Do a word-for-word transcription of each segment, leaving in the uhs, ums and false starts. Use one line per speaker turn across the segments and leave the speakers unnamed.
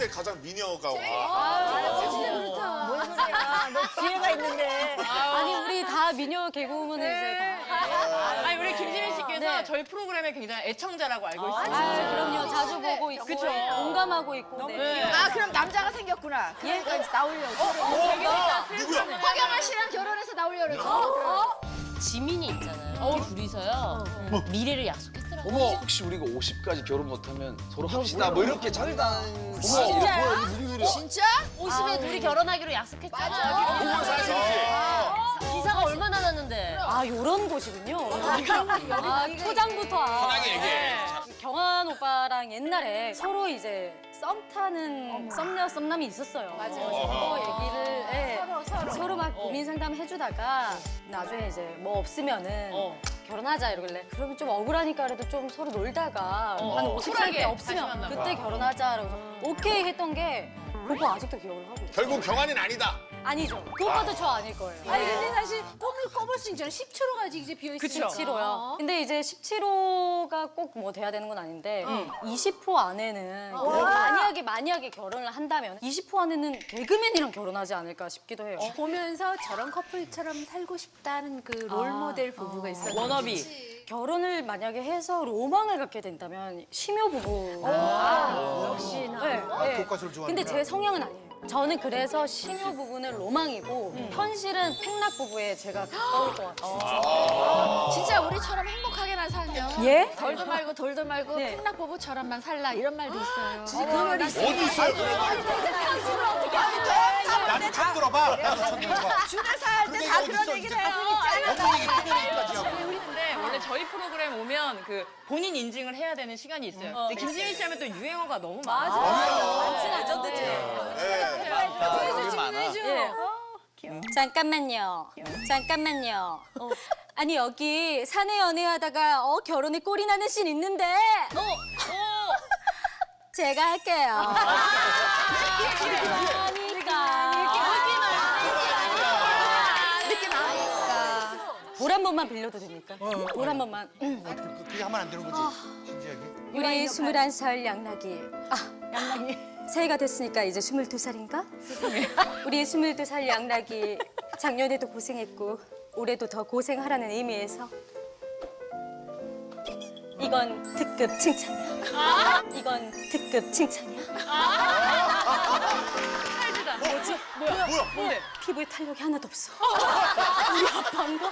때 가장 미녀가 와.
아, 진짜 그렇다.
뭔 소리야? 너 지혜가 있는데.
아니 우리 다 미녀 개그우먼은 이제 다.
아니 우리 김지민 씨께서
네.
저희 프로그램의 굉장히 애청자라고 알고
아,
있어요.
그럼요. 자주 보고 있고
그쵸.
공감하고 있고. 네.
아, 그럼 남자가 생겼구나. 그러니까 이제 나오려고.
누구야?
황영아 씨랑 결혼해서 나오려고 그러지.
지민이 있잖아요. 둘이서요. 미래를 약속했더라고요.
어머, 혹시 우리가 오십까지 결혼 못하면 서로 합시다. 뭐 이렇게 장단.
진짜야?
무슨 소리야?
진짜?
오십에 둘이 결혼하기로 약속했잖아요.
공원 사실이지.
기사가 얼마나 났는데.
아 요런 곳이군요. 아 초장부터.
편하게 얘기해.
경환 오빠랑 옛날에 서로 이제 썸 타는 썸녀 썸남이 있었어요.
맞아,
그래서
맞아.
그거 얘기를 예,
서로, 서로.
서로 막 고민 상담 해주다가 나중에 이제 뭐 없으면은
어.
결혼하자 이러길래 그러면 좀 억울하니까 그래도 좀 서로 놀다가
어,
한
어.
오십 살 때
쿨하게 다시
없으면
만나봐.
그때 결혼하자 그래서 오케이 했던 게 그거 아직도 기억을 하고 있어요.
결국 경환이는 아니다.
아니죠. 그 오빠도 저 아닐 거예요.
아니, 근데 사실 꿈을 꿔볼 수 있잖아. 십칠 호가 아직 이제 비어있으니까.
그쵸.
십칠 호요. 근데 이제 십칠 호가 꼭 뭐 돼야 되는 건 아닌데 이십 호 안에는 만약에 만약에 결혼을 한다면 이십 호 안에는 개그맨이랑 결혼하지 않을까 싶기도 해요.
보면서 저런 커플처럼 살고 싶다는 그 롤모델 부부가 있었는데.
워너비.
결혼을 만약에 해서 로망을 갖게 된다면 심요 부부.
역시나.
네, 네.
교과서를 좋아하는구나.
근데 제 성향은 아니에요. 저는 그래서 심요 부부는 로망이고 현실은 팽락 부부에 제가 가까울 것 같아요.
진짜 우리처럼 행복하게나 살면.
예?
덜도 말고 돌도 말고
네.
팽락 부부처럼만 살라 이런 말도 있어요.
진짜 그런 말이 있어요.
어디 있어요? 나도 처음 들어봐. 나도 처음 들어봐.
주례 살때 다 그런 얘기를 해요.
어떤 얘기 큰 얘기까지 하고.
근데 원래 저희 프로그램 오면 그 본인 인증을 해야 되는 시간이 있어요. 근데 김지민 씨 하면 또 유행어가 너무 많아.
많지 레전드지.
네.
되게 많아.
예. 잠깐만요. 잠깐만요. 아니 여기 사내 연애하다가 어 결혼에 꼴이 나는 씬 있는데. 어, 어. 제가 할게요. 돌 한 번만 빌려도 됩니까? 돌 한 번만.
그게 하면 안 되는 거지. 진지하게.
우리 스물한 살 양락이. 아, 양락이. 새해가 됐으니까 이제 스물두 살인가? 우리 스물두 살 양락이 작년에도 고생했고 올해도 더 고생하라는 의미에서 이건 특급 칭찬이야. 이건 특급 칭찬이야. 뭐지?
뭐야? 뭐야?
뭔데?
피부에 탄력이 하나도 없어. 우리 아빠인가?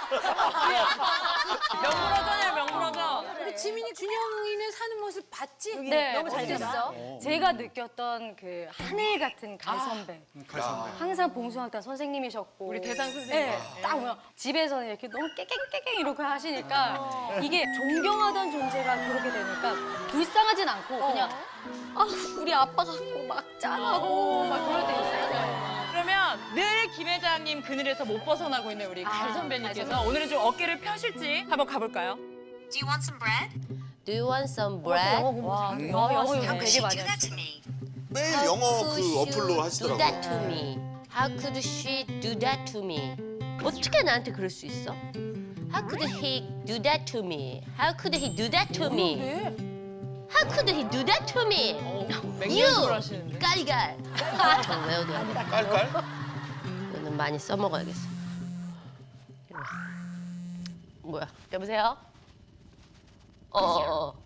명불허전이야 명불허전.
우리 지민이 준영이네 사는 모습 봤지?
네,
너무 잘
어디서?
됐어.
제가 느꼈던 그 하늘 같은 갈 선배.
갈선배.
항상 봉숭아학단 선생님이셨고.
우리 대상 선생님.
네, 딱 보면 집에서는 이렇게 너무 깨갱깨갱 이렇게 하시니까 이게 존경하던 존재가 그렇게 되니까 불쌍하진 않고 그냥 아 우리 아빠 같고 막 짠하고 막 그럴 때 있어요.
그러면 늘 김 회장님 그늘에서 못 벗어나고 있는 우리 갈 선배님께서 오늘은 좀 어깨를 펴실지 한번 가볼까요?
Do you want some bread?
Do you want some bread?
와, 영어 영어 요즘 되게 많이
Do
하시죠.
that to me.
매일 영어 그
Could
어플로
you
하시더라고요.
Do that to me. How could she do that to me? 어떻게 나한테 그럴 수 있어? How could he do that to me? How could he do that to me? How could he do that to me?
맹연습을 하시는데.
깔깔. 저 외워둬야 돼.
깔깔?
이거는 많이 써먹어야겠어. 이리 와. 뭐야? 여보세요? 어, 어, 어.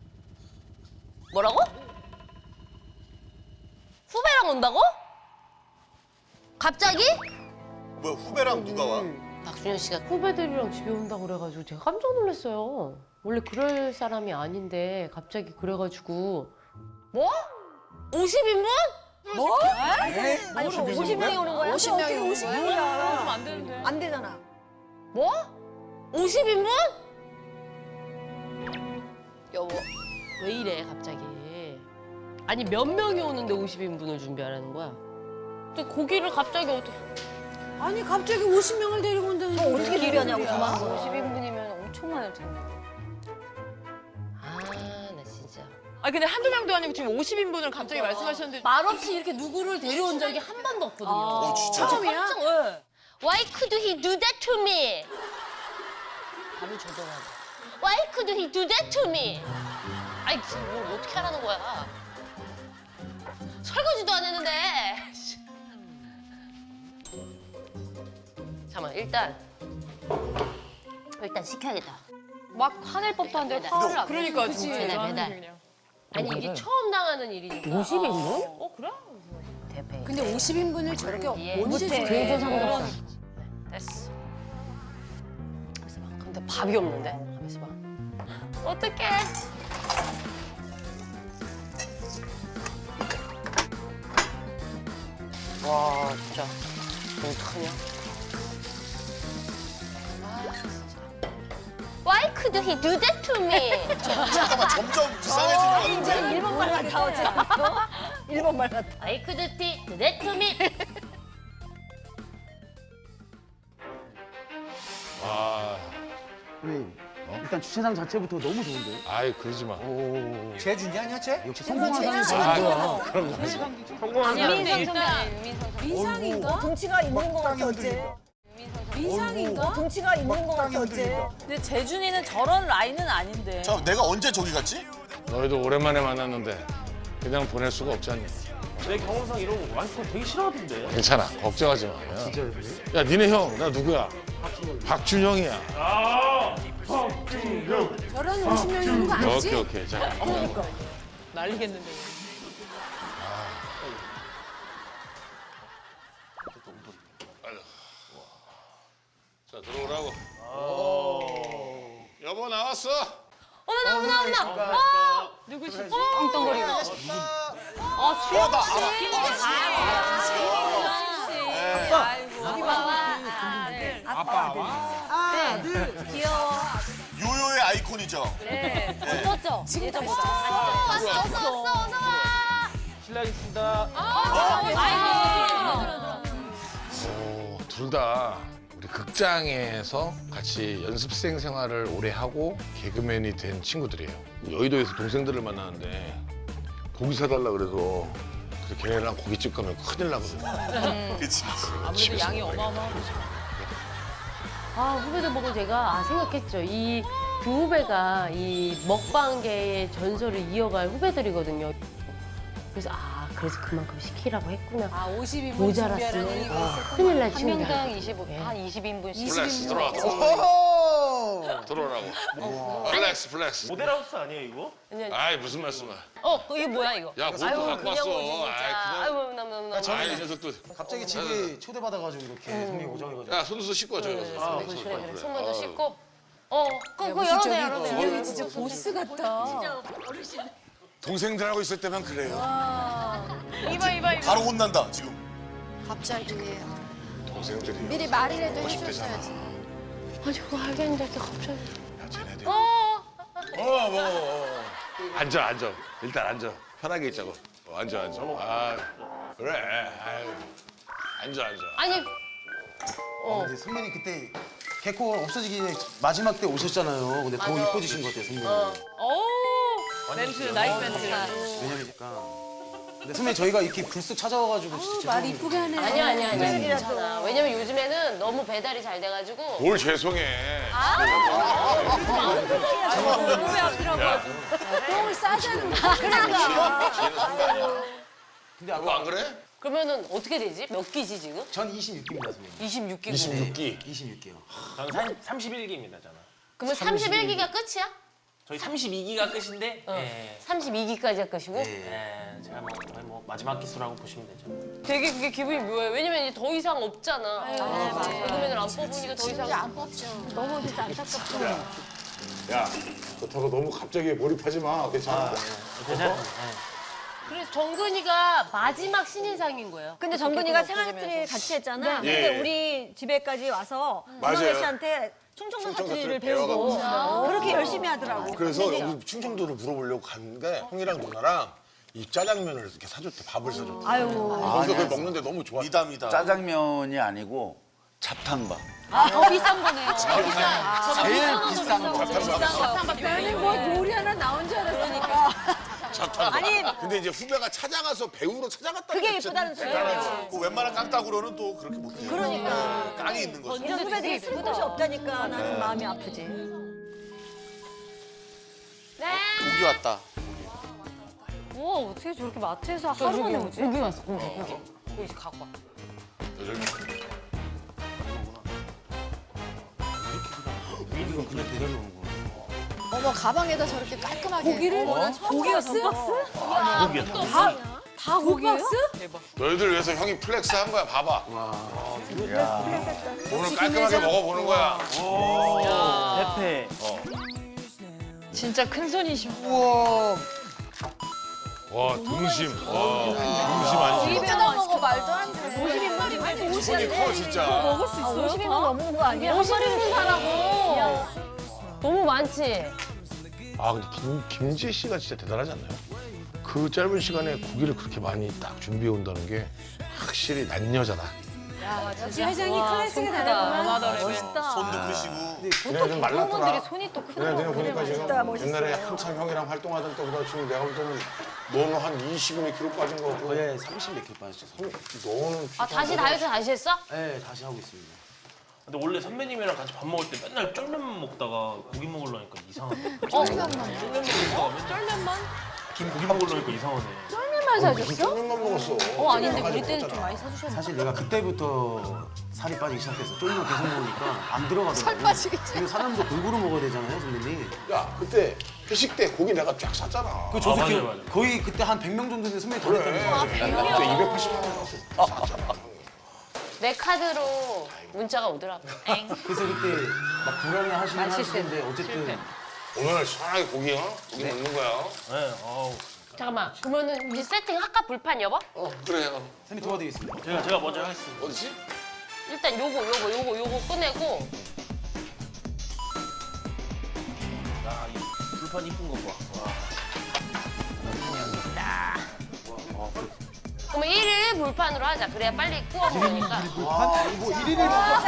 뭐라고? 후배랑 온다고? 갑자기?
뭐야 후배랑 누가 와?
박준현 씨가 후배들이랑 집에 온다고 그래가지고 제가 깜짝 놀랐어요. 원래 그럴 사람이 아닌데 갑자기 그래가지고 뭐? 오십 인분?
뭐?
아니, 오십 명이 오는 거야? 오십 명이 오는 거야?
그러면 안 되는데.
안 되잖아.
뭐? 오십 인분? 여보, 왜 이래 갑자기? 아니 몇 명이 오는데 오십 인분을 준비하라는 거야? 근데 고기를 갑자기 어떻게...
아니, 갑자기 오십 명을 데리고 온다는 게 어떻게
길이냐고 저만 오십 인분이면 엄청 많을 텐데.
아, 나 진짜...
아 근데 한두 명도 아니고 지금 오십 인분을 갑자기 말씀하셨는데
말없이 이렇게 누구를 데려온 적이 한 번도 없거든요.
어 진짜?
처음이야?
네. Why could he do that to me? 답을 줘더라고. Why could he do that to me? 아이, 뭘 어떻게 하라는 거야? 설거지 시작도 안 했는데. 잠깐만 일단 일단 시켜야겠다.
막 화낼 법도 한데 화를 안
그러니까
내지.
진짜
배달,
대단하네,
배달.
그냥.
아니 이게 처음 당하는 일이니까. 오십 인분?
어 그래?
대패.
근데 오십 인분을 저렇게
예.
언제
그래도
줘?
상관없어. 됐어. 가만있어 봐. 근데 밥이 없는데? 가만있어 봐. 어떡해. 와 진짜 어떡하냐. 아 진짜. Why could he do that to me?
잠깐만 점점 이상해지는 것 같은데.
일본말 같아 어째? 일본말 같아.
Why could he do that to me?
아,
일단 주차장 자체부터 너무 좋은데.
아이 그러지 마.
재준이 아니야 쟤?
역시 성공한 사람이
아,
좋은 거야.
그런 거 하지 마.
아니야, 민성 선배 아니에요, 민성 선배.
민상인가? 등치가 있는 거 같아 어째? 민상인가? 등치가 있는 거 같아 어째?
근데 재준이는 저런 라인은 아닌데.
자 내가 언제 저기 갔지?
너희도 오랜만에 만났는데 그냥 보낼 수가 없지 않냐.
내 경험상 이런 거 와이프 되게 싫어하던데.
괜찮아, 걱정하지 마. 야,
진짜요?
야 니네 형, 나 누구야? 박준영이야.
저런 오십 명 있는 거 아니지?
오케이 오케이. 자,
난리겠는데.
자 들어오라고. 여보 나왔어.
어머나 어머나 어머나. 어!
누구시지?
엉뚱거리고.
어, 나 요요의 아이콘이죠.
네, 붙었죠? 예전부터.
왔어 왔어 왔어 어서 와.
실례하겠습니다.
오, 둘 다 우리 극장에서 같이 연습생 생활을 오래 하고 개그맨이 된 친구들이에요. 여의도에서 동생들을 만나는데 고기 사달라 그래서 그래서 걔네랑 고깃집 가면 큰일 나거든.
그치.
아무래도 양이 어마어마하고.
아 후배들 보고 제가 아 생각했죠. 이 두 후배가 이 먹방계의 전설을 이어갈 후배들이거든요. 그래서 아 그래서 그만큼 시키라고 했구나.
아 오십 인분 준비하라는
모자랐으면
얘기가
어,
있었구나.
큰일 날
한
친구들.
명당 이십오, 한 이십 인분씩.
플렉스 들어와. 들어오라고. 플렉스 플렉스.
모델하우스 아니에요 이거?
아이 무슨 말씀이야.
어 이게 뭐야 이거?
야 뭘또
아유
갖고
그냥
왔어.
오지 진짜.
아이
아유 너무너무.
그냥. 아이 이 녀석도.
갑자기 집에 초대받아가지고 이렇게 선배님 오자해가지고.
야 손수 씻고 저기 가서.
그래 그래 손 먼저 씻고. 어 그거 그거
무슨
열어내
저기
열어내.
분명히 진짜 보스 같다.
동생들하고 있을 때면 그래요.
이봐 이봐 이봐.
바로 혼난다 지금.
갑자기
동생들이.
미리 말이라도
오십 대잖아.
해줬어야지.
아니 그거 알겠는데 이렇게 갑자기.
야 쟤네들.
어.
어 먹어 먹어. 앉아 앉아. 일단 앉아. 편하게 있자고. 어, 앉아 앉아. 아 그래. 아유. 앉아 앉아.
아니
어. 근데 선배님 그때 개코 없어지기 마지막 때 오셨잖아요. 근데 더 이뻐지신 것 같아요 선배님.
오 멘트 나이스 멘트.
왜냐면 약간. 근데 선배님 저희가 이렇게 불쑥 찾아와가지고 진짜
말
죄송합니다.
이쁘게 하네.
아니야 아니야 아니야 괜찮아. 왜냐면 요즘에는 너무 배달이 잘 돼가지고.
뭘 죄송해.
똥을 싸자는 거.
근데
그거 안
아까
그래?
그러면은 어떻게 되지? 몇 끼지 지금?
전 이십육 기입니다 선배님.
이십육 끼고.
이십육 기.
이십육 기요.
저는 삼십일 기입니다, 저는.
그러면 삼십일 기가 끝이야?
저희 삼십이 기가 끝인데,
어.
예.
삼십이 기까지가 끝이고?
예, 제가 뭐, 거의 뭐 마지막 기수라고 보시면 되죠.
되게 그게 기분이 묘해. 왜냐면 이제 더 이상 없잖아. 개그맨을 안 뽑으니까 더 이상.
안 뽑죠. 너무 진짜 안타깝죠.
야 그렇다고 너무 갑자기 몰입하지 마. 괜찮아.
괜찮아요.
그래서 정근이가 마지막 신인상인 거예요.
근데 정근이가 생활스트리 같이 했잖아.
예.
근데 우리 집에까지 와서
맞아요.
이노래 씨한테 충청도
충청도
사투리를
사투리 배워가지고.
배우고 그렇게 열심히 하더라고.
그래서 여기 충청도를 물어보려고 갔는데 형이랑 누나랑 이 짜장면을 이렇게 사줬대. 밥을 사줬대.
아유.
거기서 그걸 먹는데 너무 좋아.
미담이다.
짜장면이 아니고 잡탕밥.
아, 더 비싼 거네요.
제일 비싼 거.
나는 뭐 요리 하나 나온 줄 알았으니까.
아니
근데 이제 후배가 찾아가서 배우로 찾아갔다.
그게 예쁘다는 소리예요.
그 웬만한 깡따구로는 또 그렇게 못해요.
그러니까.
깡이 있는 거죠.
이런 후배들이 쓸 곳이 없다니까 나는 마음이 아프지.
네.
고기 왔다.
우와 어떻게 저렇게 마트에서 하루 만에 오지?
고기 왔어, 고기, 고기. 고기 갖고 와.
이거 그냥 배달로 오는 거야.
어머 가방에다 저렇게 깔끔하게.
고기를? 고기였어?
고기였다.
다, 다 고기예요?
대박.
너희들 위해서 형이 플렉스 한 거야. 봐봐. 오늘 깔끔하게 먹어보는 거야.
대패.
진짜 큰 손이셔.
와 등심. 와 등심 아니지?
뜯어 먹어 말도 안 돼.
오십 인분이 아니
손이 커 진짜.
먹을 수 있어요?
오십 인분 넘는 거 아니야?
한 마리는 사라고.
너무 많지?
아 근데 김, 김지 씨가 진짜 대단하지 않나요? 그 짧은 시간에 고기를 그렇게 많이 딱 준비해 온다는 게 확실히 난여자다.
역시 회장이 클래식이 다르구만. 멋있다.
손도 크시고.
그냥 좀 말랐더라.
부모들이 손이 또 크더라고.
그냥 보니까 지금
멋있다, 멋있어.
옛날에 한참 형이랑 활동하던 때보다 지금 내가 볼 때는 너는 한 이십몇 킬로 빠진 거 같고
거의 삼십 몇 킬로 빠졌죠.
너는
아 다시 다이어트 다시 했어?
네, 다시 하고 있습니다.
근데 원래 선배님이랑 같이 밥 먹을 때 맨날 쫄면만 먹다가 고기 먹으려니까 이상하네. 쫄면만? 쫄면만?
쫄면만?
김 고기 먹으려니까 이상하네.
쫄면만 사줬어?
쫄면만 먹었어.
어 아닌데 우리 때는 좀 많이 사주셨나?
사실 내가 그때부터 살이 빠지기 시작해서 쫄면 계속 먹으니까 안 들어가더라고. 살
빠지기
그리고 사람도 골고루 먹어야 되잖아요, 선배님.
야 그때 회식 때 고기 내가 쫙 샀잖아.
그 저도
아,
기억,
맞아요, 맞아요.
거의 그때 한 백 명 정도 되는 선배님 더
그래.
됐다면서요.
그때 이백팔십만 원 샀잖아.
내 카드로 문자가 오더라고.
그래서 그때 막 불안해 하시긴 하시는데 어쨌든
오늘 시원하게 고기 어? 고기 먹는 거야.
네, 아우.
잠깐만, 그러면은 이제 세팅 할까 불판 여보?
어 그래요.
선배님 도와드리겠습니다.
제가 제가 먼저 하겠습니다.
어디지?
일단 요거 요거 요거 요거 꺼내고.
야, 이 불판 이쁜 거 봐. 와.
그러면 일 일 불판으로 하자. 그래야 빨리 구워 먹으니까.
아, 이거 일일이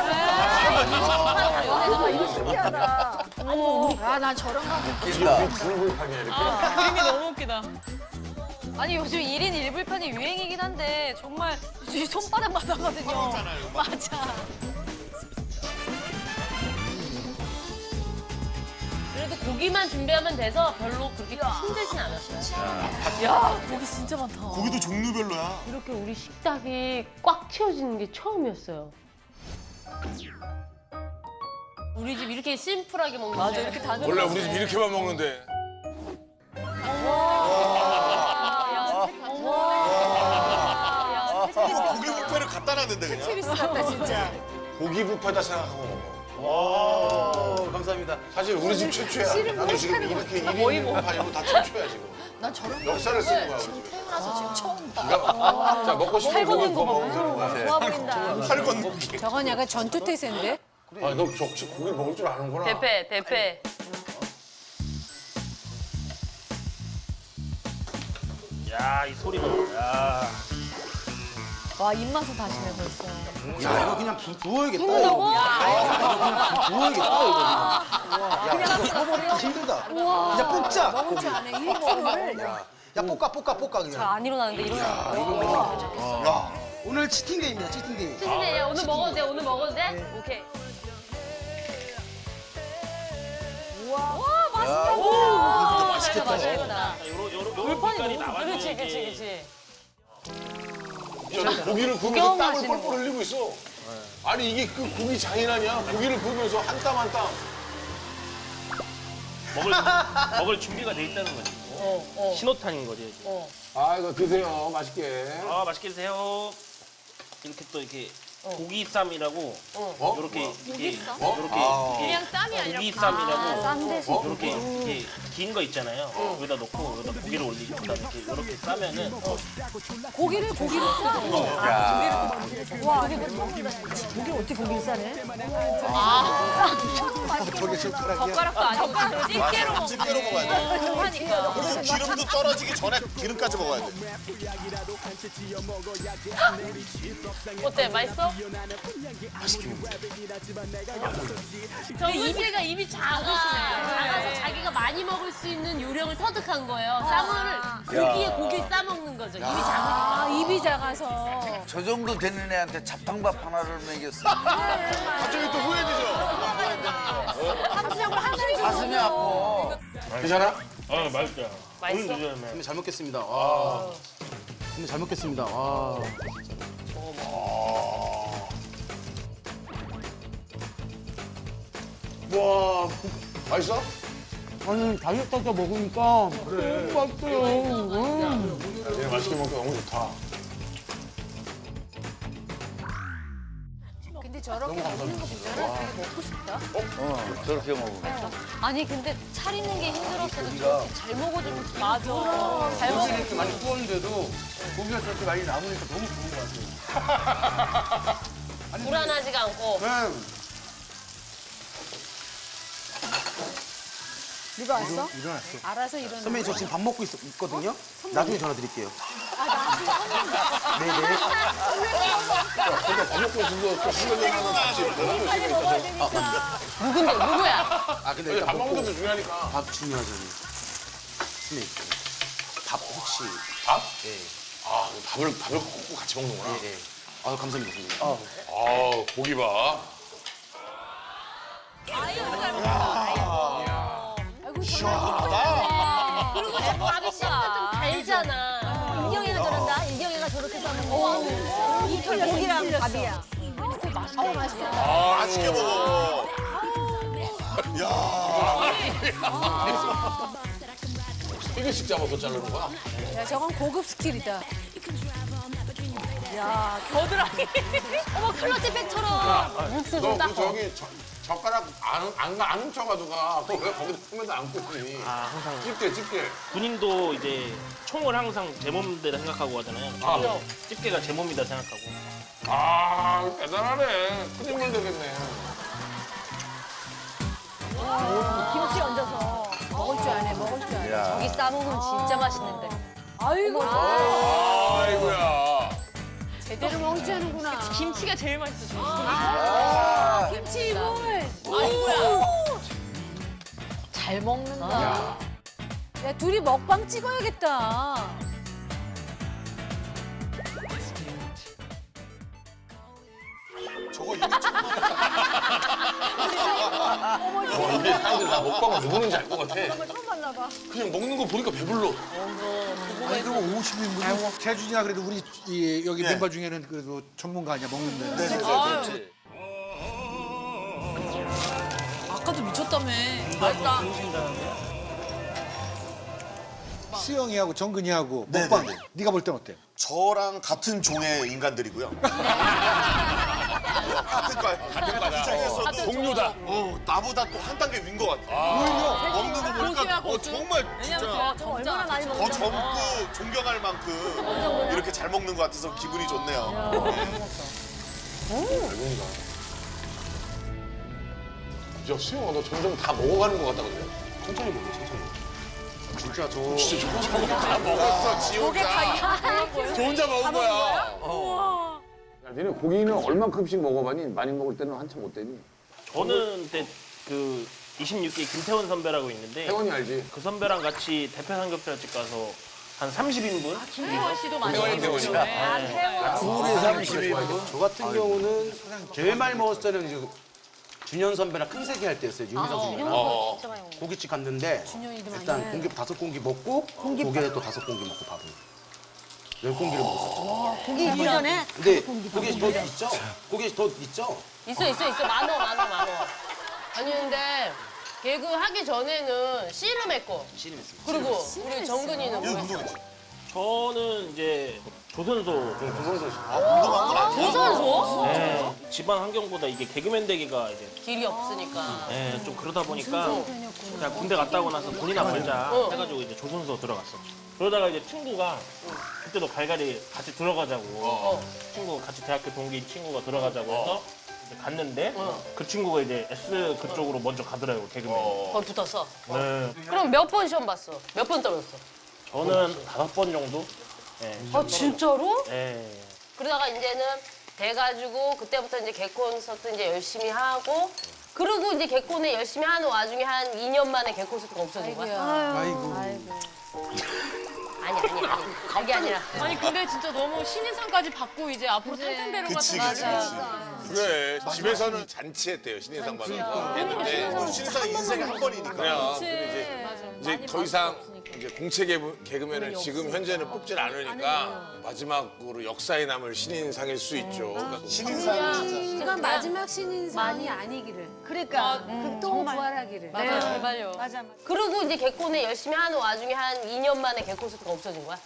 아, 이거 신기하다.
아난 저런 거.
불불판이야 이렇게.
그림이 너무 웃기다.
아니 요즘 일 인 일 불판이 유행이긴 한데 정말 이 손바닥만 하거든요. 맞아.
그래도 고기만 준비하면 돼서 별로 그렇게 힘들진 않았어요.
야 고기 진짜 많다.
고기도 종류별로야.
이렇게 우리 식탁이 꽉 채워지는 게 처음이었어요. 우리 집 이렇게 심플하게 먹는 거.
맞아 이렇게 다
원래 우리 집 이렇게만 먹는데. 고기 뷔페를 갖다 놨는데 그냥.
세비스 같다 진짜.
고기 뷔페다 생각하고 먹어.
와, 감사합니다.
사실 우리 집 최초야. 나도 지금 이렇게 일 인 뷔페판이고 다 최초야 지금.
난 저런
역사를 쓰는 거야 우리 집.
태어나서 지금 처음 봐.
자 먹고 싶은 고기 구워 먹으면 되는 거야.
좋아 보인다.
팔 건기.
저건 약간 전투태세인데?
아너 적지 고기 먹을 줄 아는구나.
대패 대패.
야, 이 소리 봐. 야.
와 입맛을 다시네 벌써.
야, 이거 그냥 부, 부어야겠다. 이거. 야, 부어야겠다, 이거. 야, 부어버리기 힘들다. 그냥 볶자.
먹을 줄 아네. 이 먹을.
야, 야, 볶아, 볶아, 볶아, 그냥.
안 일어나는데 일어나.
야
오늘 치팅데이입니다, 치팅데이.
치즈네 오늘 먹어도 돼 오늘 먹어도 돼? 오케이.
맛있겠다. 맛있겠다.
요런 요런 요런 빛깔이 나와야
그렇지 그렇지 그렇지.
야, 너 고기를 구우면서 땀을 뻘뻘 흘리고 있어. 아니 이게 그 고기 장인아니야? 고기를 구우면서 한 땀 한 땀.
먹을 먹을 준비가 돼 있다는 거지.
어 어.
신호탄인 거지.
어.
아 이거 드세요, 맛있게.
아, 맛있게 드세요. 이렇게 또 이렇게 고기 쌈이라고
어?
이렇게 이렇게
어?
이렇게
아.
이렇게
그냥 쌈이 아니라
고기 쌈이라고
쌈 대신.
어?
이렇게 이렇게 긴 거 있잖아요. 여기다 놓고 여기다 고기를 올리고 그다음에 이렇게 이렇게 싸면은
고기를 고기로 싸.
와, 이거 처음 본다. 고기 어떻게 고기를 싸네?
저게 젓가락이야.
젓가락도 아니고 집게로 먹.
집게로 먹어야 돼.
하니까.
그리고 기름도 떨어지기 전에 기름까지 먹어야 돼.
어때 맛있어? 저 이비가 입이 작아. 작아서 자기가 많이 먹을 수 있는 요령을 터득한 거예요. 쌈을 고기에 고기 싸 먹는 거죠. 입이 작으니까.
아 입이 작아서.
저 정도 되는 애한테 잡탕밥 하나를 먹였어.
갑자기 또 후회되죠.
가슴이 아파.
가슴이 아파.
괜찮아?
아 맛있다.
맛있어?
오늘 드셔야
선배 잘 먹겠습니다. 와. 선배 잘 먹겠습니다. 와.
와, 맛있어?
아니 다이어트 하다 먹으니까 너무 맛있어요. 음.
얘 맛있게 먹고 너무 좋다.
근데 저렇게 먹는 거 보잖아. 되게 먹고 싶다.
어, 저렇게 먹으면.
아니 근데 차리는 게 힘들었어도 저렇게 잘 먹어주면 맞아. 잘 먹어.
이렇게 많이 구웠는데도 고기가 저렇게 많이 남으니까 너무 좋은 것 같아요.
불안하지가 않고.
네.
누가 왔어?
일어났어.
알아서 일어나.
선배님 저 지금 밥 먹고 있, 있거든요. 나중에 전화 드릴게요.
아, 나중에
네네.
그러니까 밥 먹고 있는 거또 신경질 하는 같이 먹고
빨리
있으니까.
먹어야 되니까.
누군데 누구야?
아 근데
밥
일단
먹는
먹고
것도 중요하니까.
밥 중요하잖아요. 선배님 밥 혹시
밥?
예.
아, 밥을 밥을 꼭 같이 먹는구나.
예, 예. 아 감사합니다 선배님. 아.
아, 고기 봐.
아이고,
시원하다.
그리고 저 밥이 진짜 좀 달잖아.
이경이가 저런다. 이경이가 저렇게 싸는 이털 고기랑 밥이야.
어, 맛있어.
아, 맛있게 먹어. 야.
튀기식 잡아서 자르는 거야?
야, 저건 고급 스킬이다.
야 겨드랑이. 어머 클러치백처럼.
너 그 저기 저, 젓가락 안, 안, 안 훔쳐가지고 가. 그거 왜 거기다 품에다 안고 있니?
아 항상
집게, 집게.
군인도 이제 총을 항상 제 몸대로 생각하고 하잖아요.
아.
저도 집게가 제 몸이다 생각하고.
아, 대단하네. 큰 인물 되겠네.
김치 얹어서.
먹을 줄 아네, 먹을 줄 아네.
고기 싸 먹으면 진짜 맛있는데.
아이고,
아이고야.
제대로 먹을 줄 아는구나.
김치가 제일 맛있어.
아, 김치 이물.
아이고야.
잘 먹는다. 야, 둘이 먹방 찍어야겠다.
저거 이미 처음
와, 이게 사람들 나 먹방을 누구는지 알 것 같아.
처음 봤나 봐.
그냥 먹는 거 보니까 배불러.
아니 그럼 오십 인분. 재준이가 그래도 우리 이, 여기
예.
멤버 중에는 그래도 전문가 아니야 먹는데.
네, 네, 네.
아까도 미쳤다며.
맛있다.
수영이하고 정근이하고
네,
먹방.
네, 네.
네가 볼 땐 어때?
저랑 같은 종의 인간들이고요. 같은 과, 같은 과장에서도
동료다.
어, 나보다 또 한 단계 위인 것 같아. 오히려 먹는 거 보니까 어, 정말 진짜
얼마나 많이
더
먹는지.
젊고 존경할 만큼 이렇게 잘 먹는 것 같아서 기분이 좋네요.
대박이다. 야, 수영아, 너 점점 다 먹어가는 것 같다, 그래?
천천히 먹어 천천히. 진짜 저.
진짜 저거 저거 다 먹었어, 지 혼자. 저 혼자 먹은 거야. 어.
야, 니네 고기는 얼만큼씩 먹어봤니? 많이 먹을 때는 한참 못 되니?
저는 그때 그 이십육 기 김태원 선배라고 있는데
태원이 알지?
그 선배랑 같이 대표 삼겹살집 가서 한 삼십 인분.
김태원 씨도 많이
태원이
먹었죠.
태원이다.
네.
둘이 삼십 인.
저 같은 경우는 제일 많이 먹었을 때는 이제 준현 선배랑 큰 세기 할 때였어요. 유미상 선배랑.
어.
고깃집 갔는데 일단 공기 다섯 공기 먹고 고기에 또 다섯 공기 먹고 밥을 열 공기를 먹었었죠.
고기 이전에
근데 고기 더 있죠? 고기 더 있죠?
있어 있어 있어 많어 많어 많어. 아니 근데 개그 하기 전에는 씨름했고.
씨름했습니다.
그리고 우리 정근이는
이거
뭐 했어?
운동이지.
저는 이제 조선소.
아, 운동한 건 아니야.
조선소?
네, 집안 환경보다 이게 개그맨 되기가 이제
길이 없으니까.
네, 좀 그러다 보니까 그냥 군대 갔다 오고 나서 돈이나 벌자
어.
해가지고 이제 조선소 들어갔었죠. 그러다가 이제 친구가 그때도 갈갈이 같이 들어가자고
어.
친구 같이 대학교 동기인 친구가 들어가자고 해서 이제 갔는데
어.
그 친구가 이제 S 그쪽으로 먼저 가더라고요 개그맨.
거기 붙었어.
네,
그럼 몇 번 시험 봤어? 몇 번 떨어졌어?
저는 다섯 번 정도. 네,
아 진짜로?
네.
그러다가 이제는 돼가지고 그때부터 이제 개콘 콘서트 이제 열심히 하고 그리고 이제 개콘에 열심히 하는 와중에 한 이 년 만에 개콘 콘서트가 없어진 거야.
아이고.
아니 아니 아니 그게 아니라.
아니 근데 진짜 너무 신인상까지 받고 이제 앞으로 탄탄대로
그치,
같은
그치,
맞아.
그치.
그래, 집에서는 잔치했대요, 신인상 받아서. 했는데.
신상 인생에 한 번이니까.
그냥, 근데 이제
이제 더 이상 이제 공채 개그- 개그맨을 지금 현재는 뽑질 않으니까 마지막으로 역사에 남을 신인상일 수 있죠. 그러니까
신인상
이건 마지막 신인상이 아니기를.
그러니까
극동 부활하기를.
네, 제발요.
맞아 맞아.
그리고 이제 개콘에 열심히 하는 와중에 한 이 년 만에 개콘스트가 없어진 거야?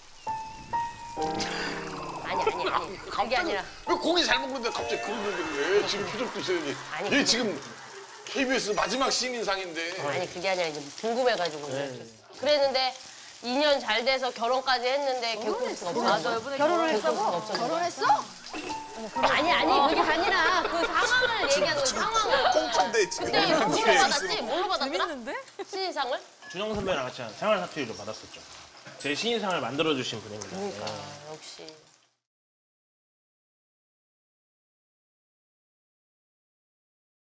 아니 아니 아니 그게 아니라
왜 고기 잘 먹는데 갑자기 그런 얘기를 해? 지금 표정도 있어야지.
아니,
얘 지금 케이비에스 마지막 신인상인데.
아니 그게 아니라 이제 궁금해가지고 그랬는데 이 년 잘 돼서 결혼까지 했는데 개콘스트가 없어졌어.
결혼을 했다고?
결혼했어? 아니 아니 그게 아니라 그 상황을 얘기하는 거야 상황을.
꽁트인데 지금.
근데 뭘로 받았지? 뭘로 받았더라? 신인상을?
준영 선배랑 같이 한 생활 사투리로 받았었죠. 제 신인상을 만들어주신 분입니다.
그러니까 역시.